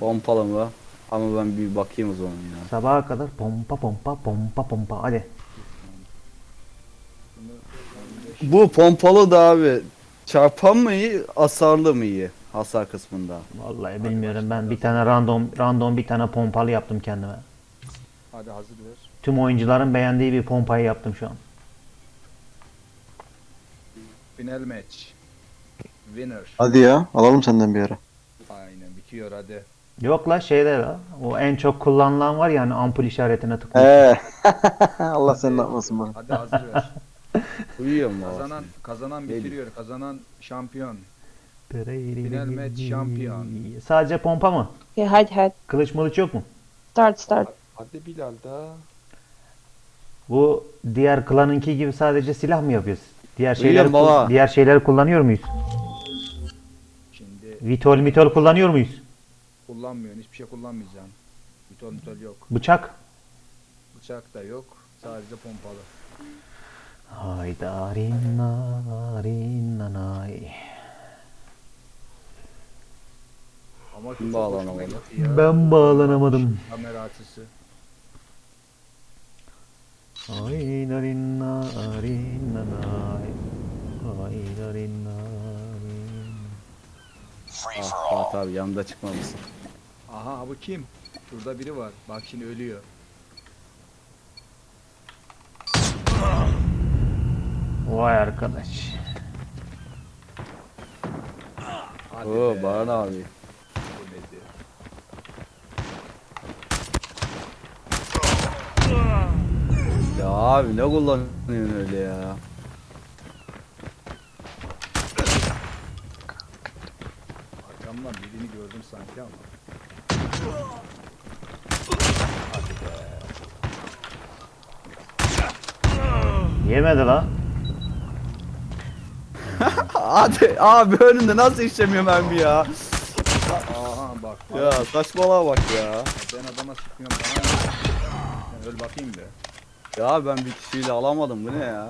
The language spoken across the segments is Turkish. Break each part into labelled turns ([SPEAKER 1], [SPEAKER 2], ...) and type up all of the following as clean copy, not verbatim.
[SPEAKER 1] Pompalı mı? Ama ben bir bakayım o zaman ya.
[SPEAKER 2] Sabaha kadar pompa pompa pompa pompa. Hadi.
[SPEAKER 1] Bu pompalı da abi çarpan mı iyi, hasarlı mı iyi? Hasar kısmında.
[SPEAKER 2] Vallahi
[SPEAKER 3] Hadi
[SPEAKER 2] bilmiyorum,
[SPEAKER 3] başla,
[SPEAKER 2] ben bir
[SPEAKER 3] hadi
[SPEAKER 2] tane random bir tane pompalı yaptım kendime.
[SPEAKER 3] Hadi hazır ver.
[SPEAKER 2] Tüm oyuncuların beğendiği bir pompayı yaptım şu an.
[SPEAKER 3] Final match. Winner.
[SPEAKER 4] Hadi ya alalım senden bir ara.
[SPEAKER 3] Aynen bitiyor hadi.
[SPEAKER 2] Yok la, şeyde la. O en çok kullanılan var ya, hani ampul işaretine tıklıyor.
[SPEAKER 4] Allah seni ne yapmasın bana.
[SPEAKER 3] Hadi hazır ver.
[SPEAKER 1] Uyuyor mu?
[SPEAKER 3] Kazanan bitiriyor. Kazanan şampiyon. Final match şampiyon.
[SPEAKER 2] Sadece pompa mı?
[SPEAKER 5] Okay, hide.
[SPEAKER 2] Kılıç mılıç yok mu?
[SPEAKER 5] Start.
[SPEAKER 3] Hadi Bilal da.
[SPEAKER 2] Bu diğer klanınki gibi sadece silah mı yapıyoruz?
[SPEAKER 1] Uyuyorum baba.
[SPEAKER 2] Diğer şeyleri kullanıyor muyuz?
[SPEAKER 3] Şimdi
[SPEAKER 2] Vitol kullanıyor muyuz?
[SPEAKER 3] kullanmıyorsun. Hiçbir şey kullanmayacaksın. Mitol yok.
[SPEAKER 2] Bıçak?
[SPEAKER 3] Bıçak da yok. Sadece pompalı.
[SPEAKER 2] Hayda rinna rinna.
[SPEAKER 3] Ama
[SPEAKER 1] Kim
[SPEAKER 3] çok
[SPEAKER 1] bağlanamadı?
[SPEAKER 3] hoşuma gitti ya.
[SPEAKER 2] Ben bağlanamadım.
[SPEAKER 3] Kamera açısı.
[SPEAKER 2] Hayda rinna rinna. Hayda rinna rinna.
[SPEAKER 1] Ah Fatih abi yanında çıkmamışsın.
[SPEAKER 3] Aha bu kim? Şurada biri var. Bak şimdi ölüyor.
[SPEAKER 2] Vay arkadaş.
[SPEAKER 3] Hadi
[SPEAKER 1] Oo
[SPEAKER 3] be.
[SPEAKER 1] Baran abi.
[SPEAKER 3] Ölmedi.
[SPEAKER 1] Ya abi ne kullanıyorsun öyle ya?
[SPEAKER 3] Arkamdan birini gördüm sanki ama. Hadi be.
[SPEAKER 2] Yemedi la.
[SPEAKER 1] Hadi abi önünde nasıl işlemiyor mermi ya?
[SPEAKER 3] Aha bak.
[SPEAKER 1] Ya saçmalığa bak ya.
[SPEAKER 3] Ben adama sıkmıyorum bana. Sen öl bakayım be.
[SPEAKER 1] Ya ben bir kişiyle alamadım bu ne ya?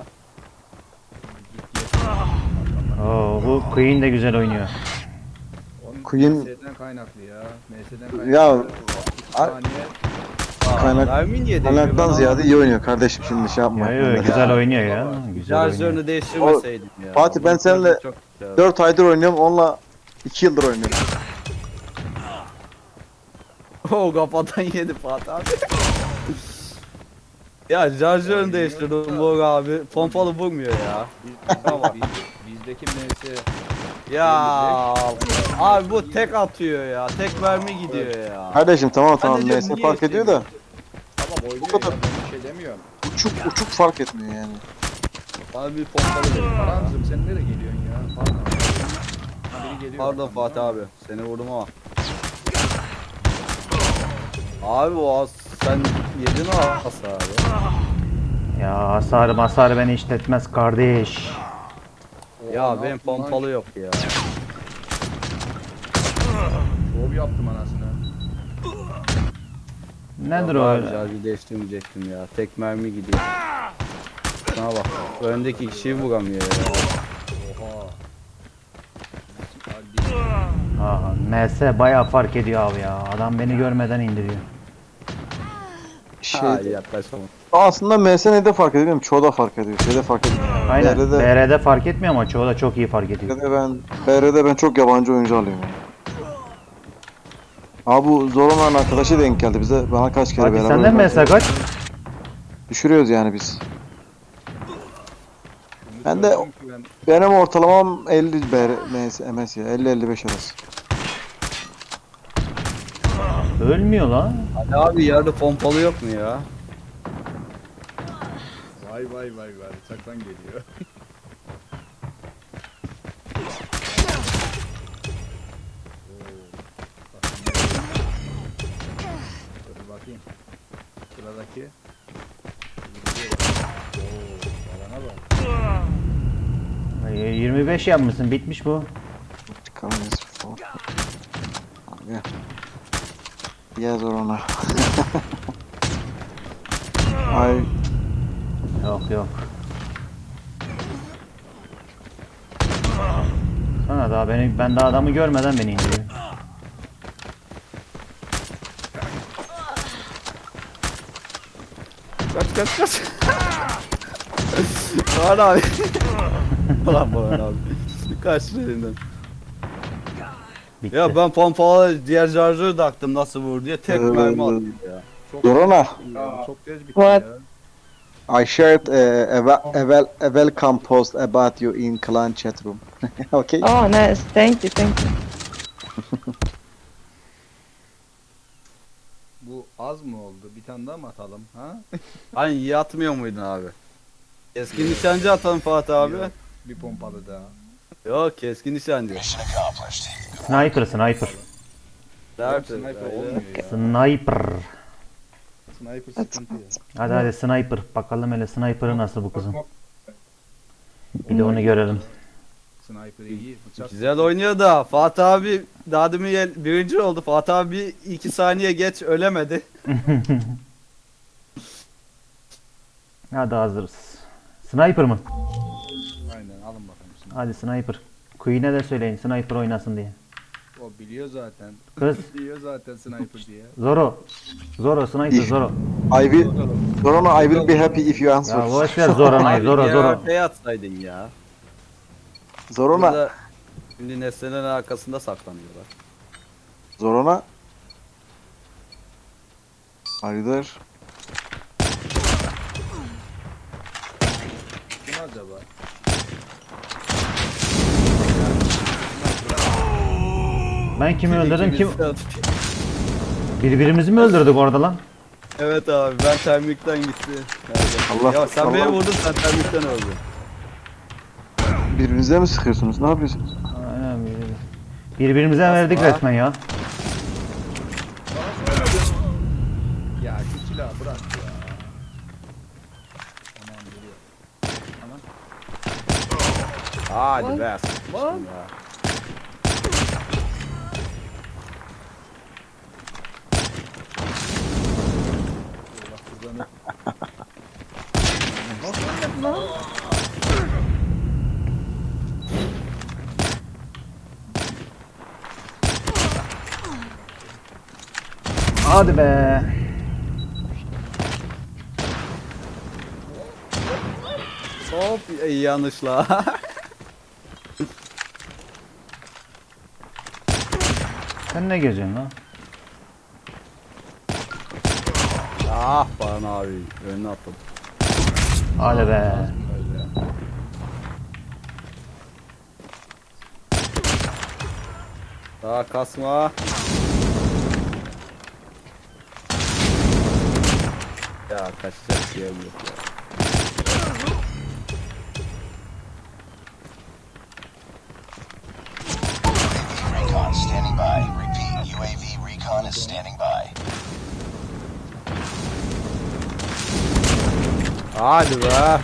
[SPEAKER 2] Oo, bu Queen de güzel oynuyor.
[SPEAKER 3] Onun
[SPEAKER 4] Queen-
[SPEAKER 3] MS'den kaynaklı ya. MS'den kaynaklı.
[SPEAKER 4] Ya,
[SPEAKER 3] 2 saniye.
[SPEAKER 1] Kaynak, mermi niye değmiyor?
[SPEAKER 4] Kaynaktan
[SPEAKER 1] Ben
[SPEAKER 4] ziyade iyi oynuyor kardeşim, şimdi şey yapma.
[SPEAKER 2] Ya, yo, güzel oynuyor ya. Güzel oynuyor.
[SPEAKER 1] Şarjörünü değiştirmeseydim ya.
[SPEAKER 4] Fatih, ben seninle
[SPEAKER 1] Çok güzel.
[SPEAKER 4] 4 aydır oynuyorum, onunla 2 yıldır oynuyorum.
[SPEAKER 1] Oo kafadan yedi Fatih abi. Ya şarjörünü değiştirdim bu abi. Pompalı vurmuyor ya.
[SPEAKER 3] Bizdeki MS
[SPEAKER 1] Ya abi bu tek atıyor ya. Tek mermi gidiyor ya.
[SPEAKER 4] Kardeşim tamam
[SPEAKER 1] Ben de diyorum,
[SPEAKER 4] MS
[SPEAKER 1] niye
[SPEAKER 4] fark ediyor da
[SPEAKER 3] tamam oynuyor
[SPEAKER 4] kadar.
[SPEAKER 3] ya, ben bir şey demiyorum.
[SPEAKER 4] uçuk fark etmiyor yani.
[SPEAKER 1] Bana bir pompalı verin.
[SPEAKER 3] Karanzım sen nereye geliyorsun ya? Pardon. Ha, biri geliyor
[SPEAKER 1] Pardon
[SPEAKER 3] arkamdan.
[SPEAKER 1] Fatih abi. Seni vurdum ama. Abi o sen yedin o hasarı.
[SPEAKER 2] Ya hasarı beni işletmez kardeş.
[SPEAKER 3] Oha,
[SPEAKER 1] Ya
[SPEAKER 3] ne
[SPEAKER 1] benim
[SPEAKER 3] yaptın lan?
[SPEAKER 1] pompalı yok ya.
[SPEAKER 3] Şov yaptım anasını.
[SPEAKER 2] Nedir
[SPEAKER 1] Yok
[SPEAKER 2] o
[SPEAKER 1] abi,
[SPEAKER 2] öyle?
[SPEAKER 1] şarjı değiştirmeyecektim ya. Tek mermi gidiyor. Şuna bak. Öndeki kişiyi vuramıyor ya.
[SPEAKER 3] Oha. Hadi.
[SPEAKER 2] Aha, MS bayağı fark ediyor abi ya. Adam beni görmeden indiriyor.
[SPEAKER 4] Şey,
[SPEAKER 1] Hayır yaklaşamam.
[SPEAKER 4] aslında MSN'de fark ediyor, çoğu da fark ediyor. Şeyde fark ediyor.
[SPEAKER 2] Aynen.
[SPEAKER 4] BR'de,
[SPEAKER 2] BR'de fark etmiyor ama çoğu da çok iyi fark ediyor.
[SPEAKER 4] BR'de ben çok yabancı oyuncu alıyorum yani. Abi bu zor olan arkadaşı denk geldi bize. Bana kaç kere
[SPEAKER 2] Hadi
[SPEAKER 4] beraber
[SPEAKER 2] senden
[SPEAKER 4] oynadık.
[SPEAKER 2] MS kaç?
[SPEAKER 4] Düşürüyoruz yani biz.
[SPEAKER 3] Şunu
[SPEAKER 4] Ben de-
[SPEAKER 3] söyleyeyim ki ben
[SPEAKER 4] Benim ortalamam 50 MS ya. 50-55 arası.
[SPEAKER 2] Ölmüyor lan.
[SPEAKER 1] Hadi abi yerde pompalı yok mu ya?
[SPEAKER 3] vay bıçaktan geliyor. Dur bakayım. Sıradaki. Alana bak.
[SPEAKER 2] 25 yapmışsın, bitmiş bu.
[SPEAKER 4] Çıkamayız. Abi. Ya zor ona. Ay
[SPEAKER 2] Yok. Sana daha ben daha adamı görmeden beni indiriyor.
[SPEAKER 1] Kaç. Baran abi. Ulan Baran abi. Kaç elinden.
[SPEAKER 2] Bitti.
[SPEAKER 1] Ya ben pompalı diğer şarjörü taktım nasıl vur diye tek mermi attım ya.
[SPEAKER 4] Zorona,
[SPEAKER 3] Çok geç bitti
[SPEAKER 5] What?
[SPEAKER 3] ya.
[SPEAKER 4] I shared a welcome post about you in clan chat room. Okay?
[SPEAKER 5] Oh, nice. Thank you.
[SPEAKER 3] Bu az mı oldu? Bir tane daha mı atalım? Ha?
[SPEAKER 1] Hani iyi atmıyor muydun abi? Keskin nişancı atalım Fatih abi.
[SPEAKER 3] Yok, bir pompalı daha.
[SPEAKER 1] Yok keskin nişancı.
[SPEAKER 2] Sniper.
[SPEAKER 3] Yok, sniper olmuyor ya.
[SPEAKER 2] Sniper.
[SPEAKER 3] Sniper sıkıntı ya.
[SPEAKER 2] Hadi sniper. Bakalım hele sniper'ı nasıl bu kızın. Bir de onu görelim.
[SPEAKER 3] Sniper iyi. Bıçak.
[SPEAKER 1] Güzel oynuyor da Fatih abi daha demin birinci oldu. Fatih abi 2 saniye geç ölemedi.
[SPEAKER 2] Hadi hazırız. Sniper mı?
[SPEAKER 3] Aynen alın bakalım sniper.
[SPEAKER 2] Hadi sniper. Queen'e de söyleyin sniper oynasın diye.
[SPEAKER 3] O biliyor zaten.
[SPEAKER 2] Kız
[SPEAKER 3] Biliyor zaten sniper diye.
[SPEAKER 2] Zoro sniper Zoro.
[SPEAKER 4] I will, Zorona, I will be happy if you answer.
[SPEAKER 2] Ya boş ver Zorana'yı
[SPEAKER 1] Abi
[SPEAKER 2] Zoro
[SPEAKER 1] diğer
[SPEAKER 2] Zoro.
[SPEAKER 1] arkaya atsaydın ya.
[SPEAKER 4] Zorona,
[SPEAKER 1] Burada şimdi nesnelerin arkasında saklanıyorlar.
[SPEAKER 4] Zorona. Are you there?
[SPEAKER 3] Kim acaba?
[SPEAKER 2] Ben kimi öldürdüm kim?
[SPEAKER 1] İkimiz-
[SPEAKER 2] Birbirimizi mi öldürdük orada lan?
[SPEAKER 1] Evet abi ben termikten gitti.
[SPEAKER 4] Allah-
[SPEAKER 1] Ya sen beni
[SPEAKER 4] Allah-
[SPEAKER 1] vurdun sen termikten öldün.
[SPEAKER 4] Birbirinize mi sıkıyorsunuz? Ne yapıyorsunuz?
[SPEAKER 2] Aynen birbirimize verdik
[SPEAKER 1] Asla.
[SPEAKER 2] resmen ya.
[SPEAKER 3] Ya şu silahı bırak ya. Aman geliyor. Aman.
[SPEAKER 1] Hadi be. sıçtım ya.
[SPEAKER 3] Bak buradan
[SPEAKER 2] Hadi be.
[SPEAKER 1] Hop yanlışla.
[SPEAKER 2] Sen ne geziyorsun lan?
[SPEAKER 1] Ah Baran abi önüne attım.
[SPEAKER 2] Hadi be.
[SPEAKER 3] öyle.
[SPEAKER 1] Daha kasma. Ya kaçacak yerim yok ya.
[SPEAKER 6] Recon standing by. Repeat, UAV recon is standing by.
[SPEAKER 1] Hadi be.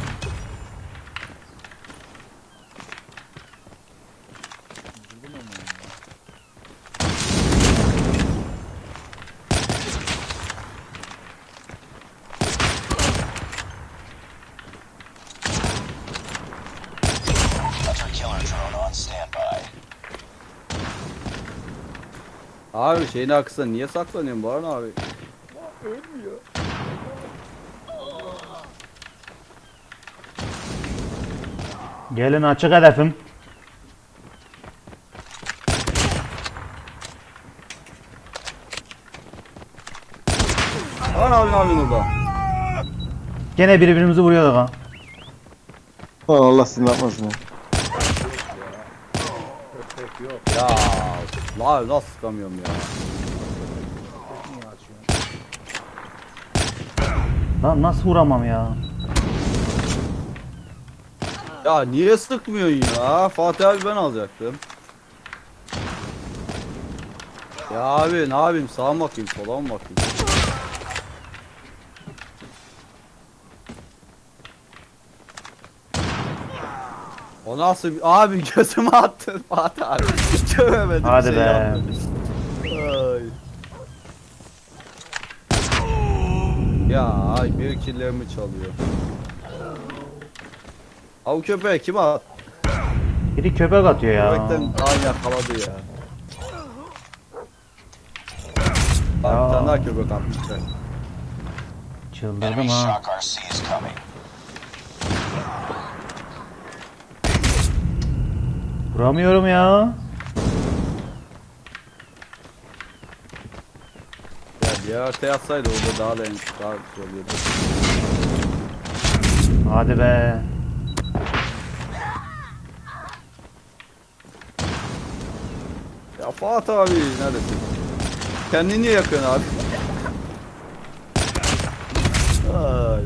[SPEAKER 6] Hunter killer drone on standby.
[SPEAKER 1] Abi şeyin arkasında niye saklanıyorsun Baran abi?
[SPEAKER 2] Gelin açık hedefim.
[SPEAKER 1] Baran abi ne yapıyorsun orada?
[SPEAKER 2] Gene birbirimizi vuruyorduk ha.
[SPEAKER 4] Allah seni ne yapmasın ya.
[SPEAKER 3] Köpek yok.
[SPEAKER 1] Ya la nasıl sıkamıyorum ya?
[SPEAKER 3] Niye açıyorsun?
[SPEAKER 2] Lan nasıl vuramam ya?
[SPEAKER 1] Ya niye sıkmıyorsun ya? Fatih abi ben alacaktım. Ya abi ne yapayım sağa mı bakayım sola mı bakayım? O nasıl bir... Abi gözüme attın Fatih abi. Göremedim
[SPEAKER 2] Hadi
[SPEAKER 1] şey
[SPEAKER 2] be.
[SPEAKER 1] yapmadım. Ay. Ya ay bir killerimi çalıyor. Av köpeği kim at?
[SPEAKER 2] Biri köpek atıyor ya.
[SPEAKER 1] Köpekten ay yakaladı ya. Bak
[SPEAKER 2] Ya.
[SPEAKER 1] bir tane daha köpek atmışlar.
[SPEAKER 2] Çıldırdım
[SPEAKER 6] Enemy
[SPEAKER 2] ha.
[SPEAKER 6] shock RC is coming.
[SPEAKER 2] Vuramıyorum ya.
[SPEAKER 1] Ya diğer haritaya atsaydı orada daha güzel oluyordu.
[SPEAKER 2] Hadi be.
[SPEAKER 1] Ya Fuat abi neredesin? Kendini niye yakıyorsun abi? Ay.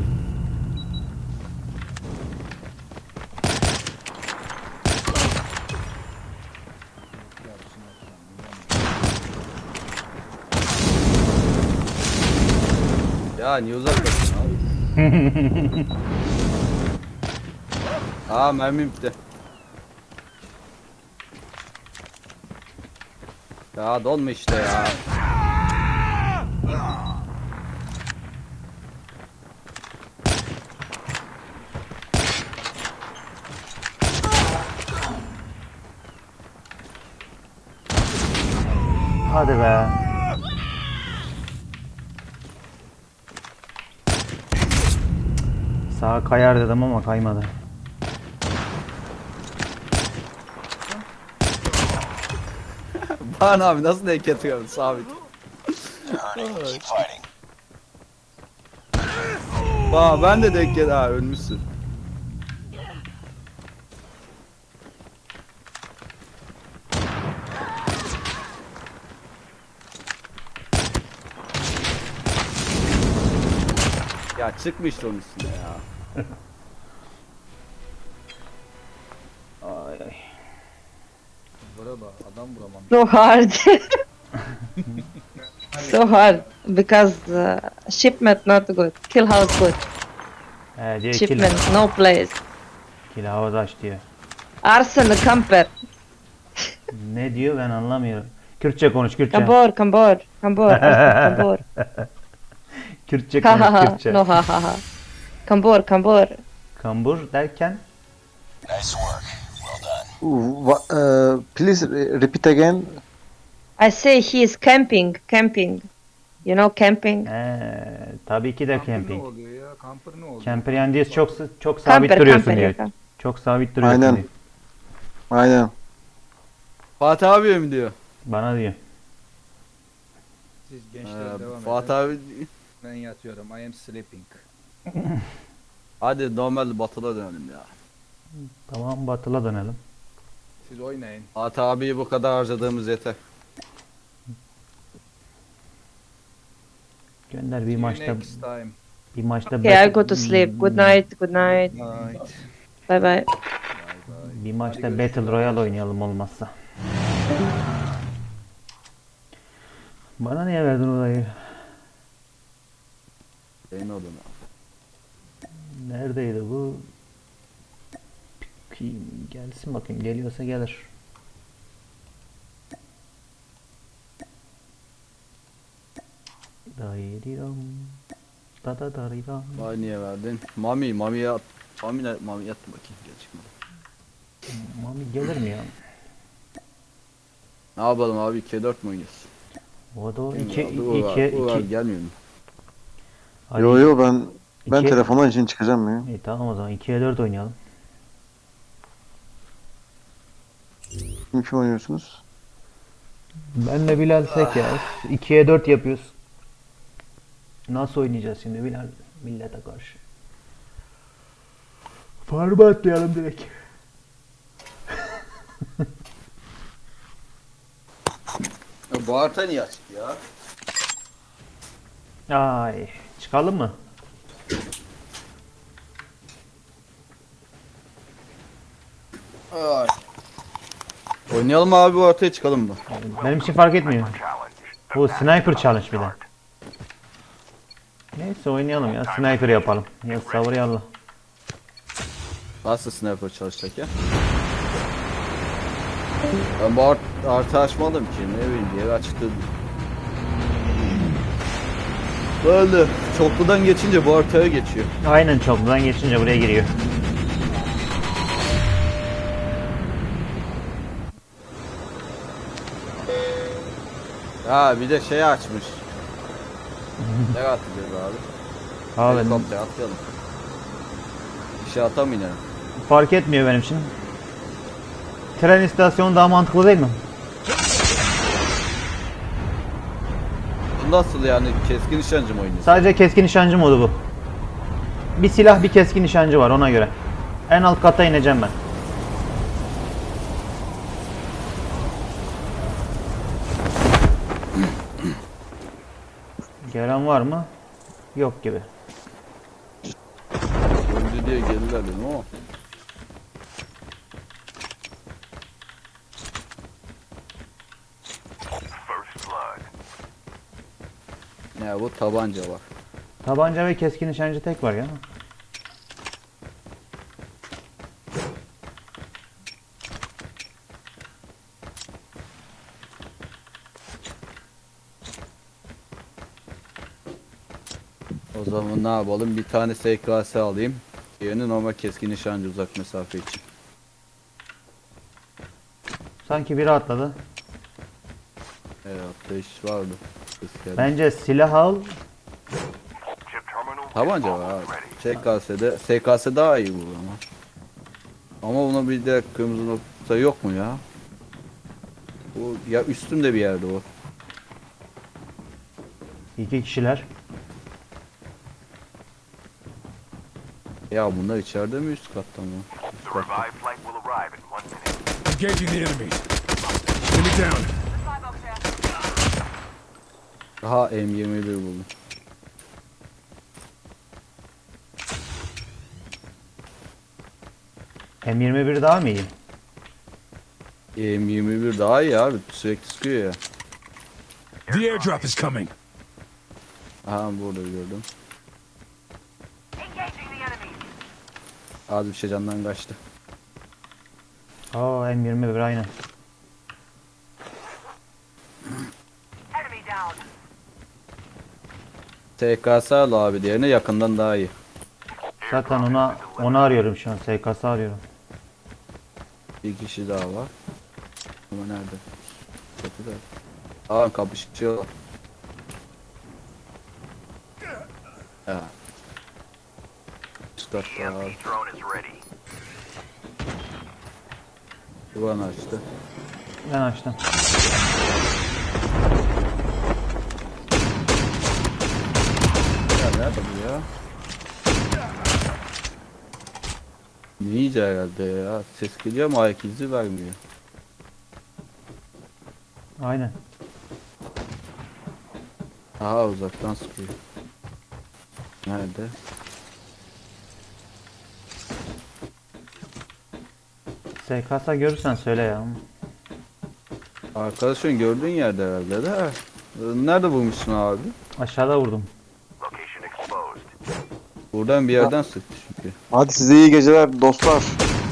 [SPEAKER 1] Ya niye uzaklaşıyorsun abi? Aa mermim bitti. Ya dolma işte ya.
[SPEAKER 2] Hadi be. Sağa kayar dedim ama kaymadı.
[SPEAKER 1] Bana abi nasıl denk getiriyorsun sabit.
[SPEAKER 6] Hurting. Keep fighting.
[SPEAKER 1] Bak ben de denk geldi ha ölmüşsün. Ya çıkmıştı onun üstüne ya.
[SPEAKER 2] Ay ay.
[SPEAKER 3] Vura bak adam vuramam.
[SPEAKER 5] So hard. So hard because shipment not good. Kill house good.
[SPEAKER 2] Diyor
[SPEAKER 5] Shipment no place.
[SPEAKER 2] kill havada aç diyor.
[SPEAKER 5] Arsenal camper.
[SPEAKER 2] Ne diyor ben anlamıyorum. Kürtçe konuş Kürtçe.
[SPEAKER 5] Kambor, kambor, kambor, Arsenal kambor.
[SPEAKER 2] Kürtçe
[SPEAKER 5] Ha ha
[SPEAKER 2] konuş
[SPEAKER 5] ha.
[SPEAKER 2] Kürtçe.
[SPEAKER 5] No ha ha ha. Kambor, kambor.
[SPEAKER 2] Kambur derken
[SPEAKER 6] Nice work. Well done.
[SPEAKER 4] Please repeat again.
[SPEAKER 5] I say he is camping, camping. You know camping?
[SPEAKER 2] tabii ki de
[SPEAKER 3] Camper ne
[SPEAKER 2] camping.
[SPEAKER 3] oluyor ya? Camper ne oluyor?
[SPEAKER 2] Camper yani diyor çok sabit
[SPEAKER 5] Camper,
[SPEAKER 2] duruyorsun
[SPEAKER 5] camper.
[SPEAKER 2] diyor.
[SPEAKER 5] yeah.
[SPEAKER 2] Çok sabit duruyorsun
[SPEAKER 4] Aynen.
[SPEAKER 2] diyor.
[SPEAKER 4] Aynen.
[SPEAKER 1] Fatih abi mi diyor?
[SPEAKER 2] Bana diyor.
[SPEAKER 3] Siz gençler devam
[SPEAKER 1] Fatih
[SPEAKER 3] edin.
[SPEAKER 1] abi
[SPEAKER 3] Ben yatıyorum. I am sleeping.
[SPEAKER 1] hadi normal batıla dönelim ya.
[SPEAKER 2] Tamam batıla dönelim.
[SPEAKER 3] Siz oynayın.
[SPEAKER 1] Fatih abiyi bu kadar harcadığımız yeter.
[SPEAKER 2] Gönder
[SPEAKER 3] See
[SPEAKER 2] bir
[SPEAKER 3] you
[SPEAKER 2] maçta
[SPEAKER 3] next time.
[SPEAKER 2] bir maçta
[SPEAKER 5] Okay, I go to sleep. Good night, good night.
[SPEAKER 3] Night.
[SPEAKER 5] Bye bye.
[SPEAKER 2] bir maçta
[SPEAKER 3] Hadi
[SPEAKER 2] Battle
[SPEAKER 3] görüşürüz.
[SPEAKER 2] Royale oynayalım olmazsa. Bana niye verdin orayı?
[SPEAKER 1] Senin odana.
[SPEAKER 2] Neredeydi bu? Gelsin bakayım. Geliyorsa gelir. Dayıram. Da da dayıram.
[SPEAKER 1] Vay niye verdin? Mami'ye at. Mami yattı bakayım. Gel çıkmadı.
[SPEAKER 2] Mami gelir mi ya?
[SPEAKER 1] Ne yapalım abi 2'ye 4 mü oynuyoruz?
[SPEAKER 2] O da o
[SPEAKER 1] Uğur
[SPEAKER 2] 2
[SPEAKER 1] gelmiyor mu?
[SPEAKER 4] Yo yo ben
[SPEAKER 2] İki-
[SPEAKER 4] telefondan için çıkacağım ya.
[SPEAKER 2] İyi tamam o zaman 2'ye 4 oynayalım.
[SPEAKER 4] Kim oynuyorsunuz?
[SPEAKER 2] Benle Bilal tek ya. 2'ye 4 yapıyoruz. Nasıl oynayacağız şimdi Bilal millete karşı? Farm'a atlayalım direkt.
[SPEAKER 1] Ya bu harita niye açık ya?
[SPEAKER 2] Ay, çıkalım mı?
[SPEAKER 1] Ay. Oynayalım abi bu haritaya çıkalım mı?
[SPEAKER 2] Benim için fark etmiyor. Bu sniper challenge bir de. Neyse oynayalım ya. Sniper yapalım. Ya sabır yallah.
[SPEAKER 1] Nasıl sniper çalışacak ya? Ben bu harita açmadım ki ne bileyim bir yere açtı. Böyle çokludan geçince bu haritaya geçiyor.
[SPEAKER 2] Aynen çokludan geçince buraya giriyor.
[SPEAKER 1] Ha bir de şey açmış. Ne atacağız abi?
[SPEAKER 2] Abi
[SPEAKER 1] Helikopter atlayalım. Bir şey atamayalım.
[SPEAKER 2] fark etmiyor benim için. Tren istasyonu daha mantıklı değil mi?
[SPEAKER 1] Bu nasıl yani, keskin nişancı mı oynuyorsun?
[SPEAKER 2] Sadece keskin nişancı modu bu. Bir silah bir keskin nişancı var ona göre. En alt kata ineceğim ben. Gelen var mı? Yok gibi.
[SPEAKER 1] Öldü diye geldiler dedim ama. Ya bu tabanca var.
[SPEAKER 2] Tabanca ve keskin nişancı tek var ya.
[SPEAKER 1] O zaman ne yapalım? Bir tane SKS alayım. Diğerini normal keskin nişancı uzak mesafe için.
[SPEAKER 2] Sanki biri atladı.
[SPEAKER 1] Evet, ateş vardı. Ses geldi.
[SPEAKER 2] Bence silah al.
[SPEAKER 1] Tabanca var abi. SKS daha iyi bu ama. Ama buna bir de kırmızı nokta yok mu ya? Bu ya üstümde bir yerde o.
[SPEAKER 2] 2 kişiler.
[SPEAKER 1] Ya bunlar içeride mi üst katta mı? Üst katta.
[SPEAKER 3] Engaging the enemies. Enemy down.
[SPEAKER 1] Aha M21 buldum.
[SPEAKER 2] M21 daha mı iyi?
[SPEAKER 1] M21 daha iyi abi, sürekli sıkıyor ya.
[SPEAKER 3] The airdrop is coming.
[SPEAKER 1] Aha burada gördüm. Az bir şey candan kaçtı.
[SPEAKER 2] Aa M21 aynen.
[SPEAKER 1] TKS al abi, diğerine yakından daha iyi.
[SPEAKER 2] Zaten onu arıyorum şu an. SKS arıyorum.
[SPEAKER 1] Bir kişi daha var. Ama nerede? Çatıda. Aa kapışıyor. Ya. Üst katta abi. Duvan açtı.
[SPEAKER 2] Ben açtım.
[SPEAKER 1] Ya nerede bu ya? Ninja herhalde ya. Ses geliyor ama ayak izi vermiyor.
[SPEAKER 2] Aynen.
[SPEAKER 1] Aha uzaktan sıkıyor. Nerede?
[SPEAKER 2] SKS görürsen söyle ya.
[SPEAKER 1] Arkadaşın gördüğün yerde herhalde de. Nerede bulmuşsun abi?
[SPEAKER 2] Aşağıda vurdum.
[SPEAKER 1] Buradan bir yerden sıktı çünkü.
[SPEAKER 4] Hadi size iyi geceler dostlar.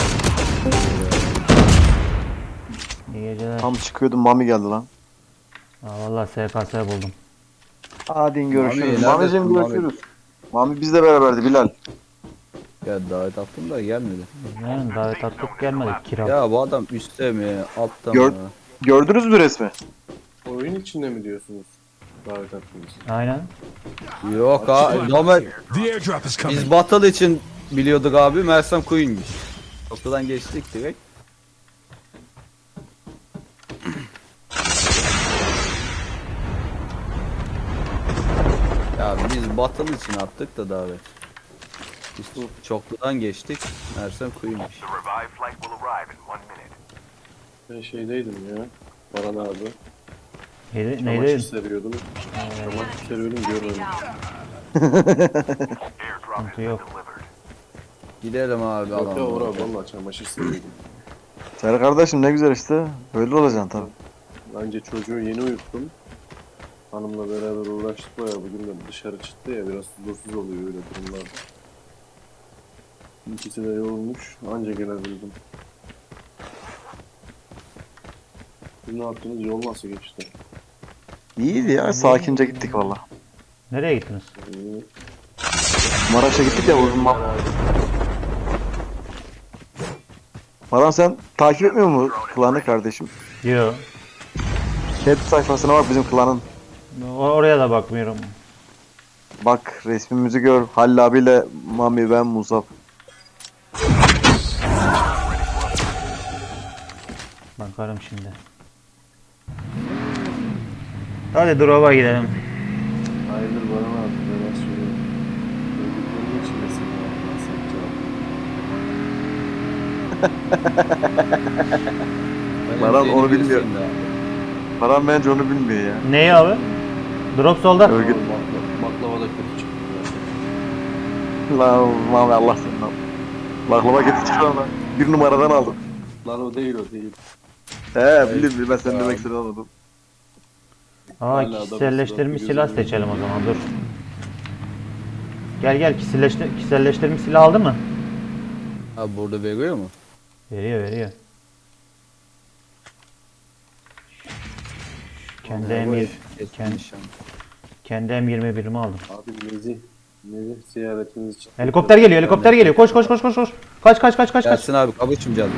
[SPEAKER 2] İyi geceler.
[SPEAKER 4] Tam çıkıyordum, Mami geldi lan.
[SPEAKER 2] Aa, vallahi SKS buldum.
[SPEAKER 4] Hadi görüşürüz.
[SPEAKER 1] neredesin
[SPEAKER 4] Mami'cim
[SPEAKER 1] Mami?
[SPEAKER 4] görüşürüz. Mami bizle beraberdi Bilal.
[SPEAKER 1] Ya davet attım da gelmedi.
[SPEAKER 2] Yani davet attık gelmedik kira.
[SPEAKER 1] Ya bu adam üstte mi, altta
[SPEAKER 4] Gör-
[SPEAKER 1] mı?
[SPEAKER 4] Gördünüz mü resmi?
[SPEAKER 7] Oyun içinde mi diyorsunuz? Davet attınız.
[SPEAKER 2] Aynen.
[SPEAKER 1] Yok abi, normal
[SPEAKER 3] The airdrop is coming.
[SPEAKER 1] biz battle için biliyorduk abi, Mersem Queen'miş. Ortadan geçtik direkt. Ya biz battle için attık da davet. Biz çokludan geçtik, Mersem Queen'miş.
[SPEAKER 7] Ben şeydeydim ya. Baran abi.
[SPEAKER 2] Neydi?
[SPEAKER 7] Çamaşır
[SPEAKER 2] Neydi?
[SPEAKER 7] seriyordum. Çamaşır seriyordum görmedim.
[SPEAKER 2] Sıkıntı yok.
[SPEAKER 1] Gidelim abi,
[SPEAKER 7] Yok ya
[SPEAKER 1] alalım.
[SPEAKER 7] Uğur abi valla çamaşır seriyordum.
[SPEAKER 4] Ser kardeşim ne güzel işte. Böyle olacaksın tabii.
[SPEAKER 7] Bence çocuğu yeni uyuttum. Hanımla beraber uğraştık bayağı, bugün de dışarı çıktı ya, biraz huzursuz oluyor öyle durumlarda. İkisi de yorulmuş, anca gelebildim. Siz ne yaptınız, yol nasıl geçti?
[SPEAKER 4] İyiydi ya, sakince gittik valla.
[SPEAKER 2] Nereye gittiniz?
[SPEAKER 7] İyi.
[SPEAKER 4] Maraş'a gittik ya uzun Baran sen takip etmiyor mu klanı kardeşim?
[SPEAKER 2] Yo.
[SPEAKER 4] Chat sayfasına bak bizim klanın.
[SPEAKER 2] Oraya da bakmıyorum.
[SPEAKER 4] Bak resmimizi gör. Halil abiyle Mami ben Musab.
[SPEAKER 2] Bakarım şimdi. Hadi drop'a gidelim.
[SPEAKER 7] Hayırdır bana abi ben söylüyorum. Öldüklerinin içindesin ya. Nasıl yapacağım?
[SPEAKER 4] Baran
[SPEAKER 1] Seni
[SPEAKER 4] onu bilmiyor.
[SPEAKER 1] bilirsin de.
[SPEAKER 4] Baran bence onu bilmiyor ya.
[SPEAKER 2] Neyi abi? Drop solda.
[SPEAKER 4] Örgüt.
[SPEAKER 7] Baklava da kötü çıktı zaten.
[SPEAKER 4] Lan Mami Allah seni al. Baklava getir çıkar lan. Bir numaradan aldım.
[SPEAKER 7] Lan o değil o değil.
[SPEAKER 4] Bilirim ben senin demek istediğini anladım.
[SPEAKER 2] Aa,
[SPEAKER 7] Hala adam
[SPEAKER 2] kişiselleştirilmiş
[SPEAKER 7] sırası
[SPEAKER 2] silah
[SPEAKER 7] gözümün
[SPEAKER 2] seçelim o zaman dur. Gel kişiselleştirilmiş silah aldı mı?
[SPEAKER 1] Abi burada veriyor mu?
[SPEAKER 2] Veriyor. Kendi
[SPEAKER 1] Bu
[SPEAKER 2] M20
[SPEAKER 1] etkin nişan.
[SPEAKER 2] kendi M21'imi aldım.
[SPEAKER 7] Abi Nezih ziyaretiniz için.
[SPEAKER 2] Helikopter geliyor. Koş. Kaç.
[SPEAKER 1] Gelsin abi kabuçum canım.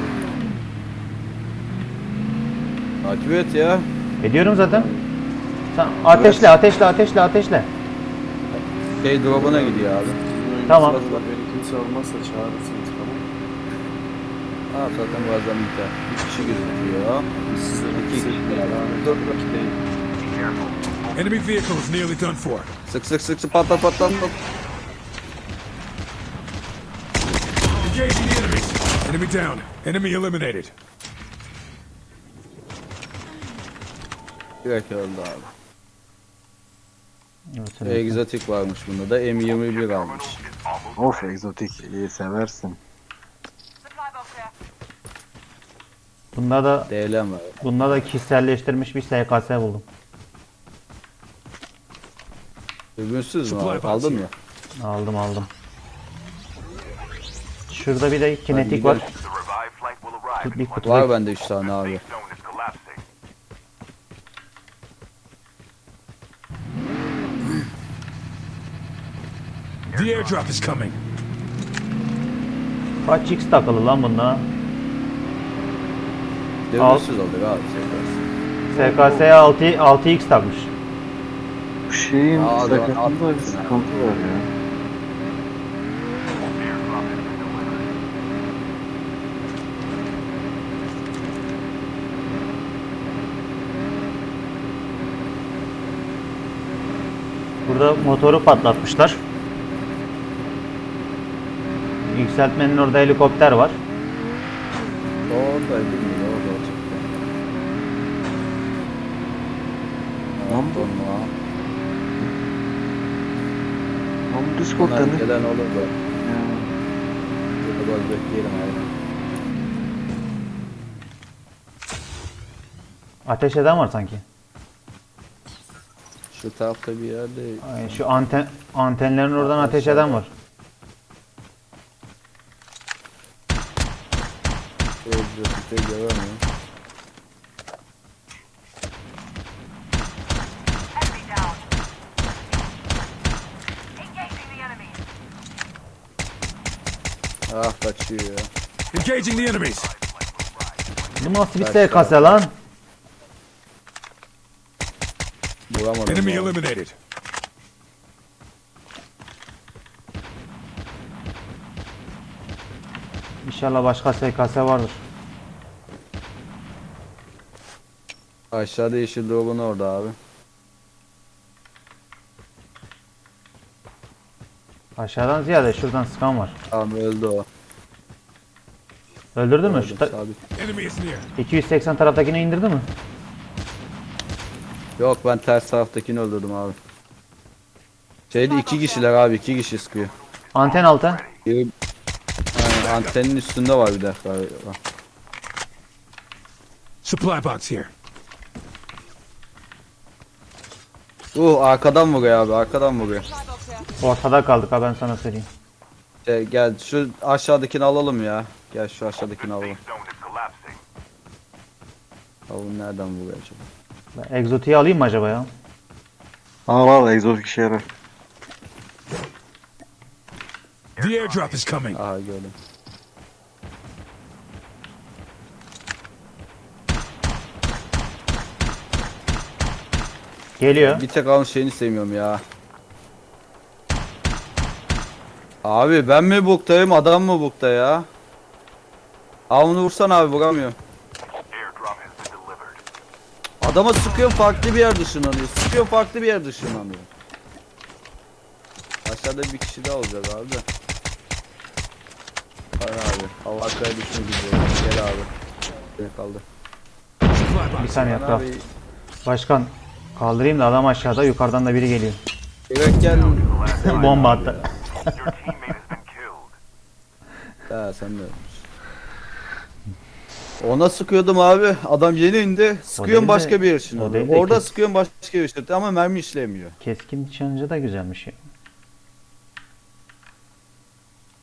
[SPEAKER 1] Takip et ya.
[SPEAKER 2] Ediyorum zaten. Sen ateşle.
[SPEAKER 1] Şey drop'una gidiyor abi.
[SPEAKER 2] Tamam.
[SPEAKER 7] Beni kimse almazsa çağırırsınız tamam.
[SPEAKER 1] Ha zaten bazen biter. 3 kişi gözüküyor.
[SPEAKER 7] Biz sizlere
[SPEAKER 1] İki
[SPEAKER 7] bir
[SPEAKER 1] kişi.
[SPEAKER 7] yani. 4 vakit değil.
[SPEAKER 8] Enemy vehicle is nearly done for.
[SPEAKER 1] Sık patlat.
[SPEAKER 8] Engaging the enemies. Enemy down. Enemy eliminated.
[SPEAKER 1] Direkt öldü abi.
[SPEAKER 2] Evet,
[SPEAKER 1] Egzotik varmış bunda da M21 almış.
[SPEAKER 4] Of egzotik iyi seversin.
[SPEAKER 2] Bunda
[SPEAKER 1] DLM var.
[SPEAKER 2] da kişiselleştirilmiş bir SKS buldum.
[SPEAKER 1] Dürbünsüz mü abi? Aldın mı?
[SPEAKER 2] Aldım. Şurada bir de kinetik var. Bir kutu
[SPEAKER 1] Var bende 3 tane abi.
[SPEAKER 8] The airdrop is coming.
[SPEAKER 2] Kaç X takılı lan bunda?
[SPEAKER 1] Dürbünsüz alır abi.
[SPEAKER 2] SKS'ye 6X takmış.
[SPEAKER 4] Bu şeyin
[SPEAKER 1] Aa,
[SPEAKER 4] sakatında
[SPEAKER 1] abi,
[SPEAKER 4] bir sıkıntı var ya.
[SPEAKER 2] Burada motoru patlatmışlar. Yükseltmenin orada helikopter var.
[SPEAKER 1] Orada bilmiyorum orada olacak.
[SPEAKER 4] Lan bu- Lan bu Discord'da
[SPEAKER 1] Onlar
[SPEAKER 4] ne?
[SPEAKER 1] gelen olur da.
[SPEAKER 4] Ya.
[SPEAKER 1] Burada biraz bekleyelim abi.
[SPEAKER 2] Ateş eden var sanki.
[SPEAKER 1] Şu tarafta bir yerde
[SPEAKER 2] Ay, şu antenlerin oradan ateş eden var.
[SPEAKER 1] egzotikte göremiyorum. Ah kaçıyor ya.
[SPEAKER 8] Engaging the enemies.
[SPEAKER 2] Bu nasıl bir SKS lan?
[SPEAKER 1] Vuramadım.
[SPEAKER 8] Enemy
[SPEAKER 1] abi.
[SPEAKER 8] eliminated.
[SPEAKER 2] İnşallah başka SKS vardır.
[SPEAKER 1] Aşağıda yeşil drop'un orada abi.
[SPEAKER 2] Aşağıdan ziyade şuradan sıkan var.
[SPEAKER 1] Tamam öldü o.
[SPEAKER 2] Öldürdün mü? Şu
[SPEAKER 1] Gördüm, sabit.
[SPEAKER 8] Enemy is near.
[SPEAKER 2] 280 taraftakini indirdi mi?
[SPEAKER 1] Yok ben ters taraftakini öldürdüm abi. Şeyde 2 kişiler abi 2 kişi sıkıyor.
[SPEAKER 2] Anten altı.
[SPEAKER 1] Biri aynen, antenin üstünde var bir de galiba.
[SPEAKER 8] Supply box here.
[SPEAKER 1] Arkadan vuruyor abi arkadan vuruyor.
[SPEAKER 2] Ortada kaldık ha ben sana söyleyeyim.
[SPEAKER 1] Gel şu aşağıdakini alalım ya. Gel şu aşağıdakini alalım. Abi nereden vuruyor acaba?
[SPEAKER 2] Ben egzotiği alayım mı acaba ya?
[SPEAKER 4] Al egzotik işe yarar.
[SPEAKER 8] The airdrop is coming.
[SPEAKER 1] Aha gördüm.
[SPEAKER 2] Geliyor.
[SPEAKER 1] Bir tek alın şeyini sevmiyorum ya. Abi ben mi buktayım adam mı bukta ya? Abi onu vursan abi vuramıyorum. Adama sıkıyorum farklı bir yer dışınlanıyor. Sıkıyorum farklı bir yer dışınlanıyor. Aşağıda bir kişi daha olacak abi de. Hayır abi. Hava arkaya düşme gidiyor. Gel abi. Gel kaldı.
[SPEAKER 8] Supply
[SPEAKER 2] Bir
[SPEAKER 8] box.
[SPEAKER 2] saniye
[SPEAKER 1] Lan
[SPEAKER 2] kral.
[SPEAKER 1] abi.
[SPEAKER 2] Başkan kaldırayım da adam aşağıda, yukarıdan da biri geliyor.
[SPEAKER 1] Evet gel.
[SPEAKER 2] Bomba attı.
[SPEAKER 1] Ha sen de. Ona sıkıyordum abi. Adam yeni indi. Sıkıyorum
[SPEAKER 2] değil de-
[SPEAKER 1] başka bir yer
[SPEAKER 2] o
[SPEAKER 1] ışınlanıyor.
[SPEAKER 2] değil de
[SPEAKER 1] Orada
[SPEAKER 2] kes-
[SPEAKER 1] sıkıyorum başka bir yer ışınlanıyor. Ama mermi işlemiyor.
[SPEAKER 2] Keskin nişancı da güzelmiş ya.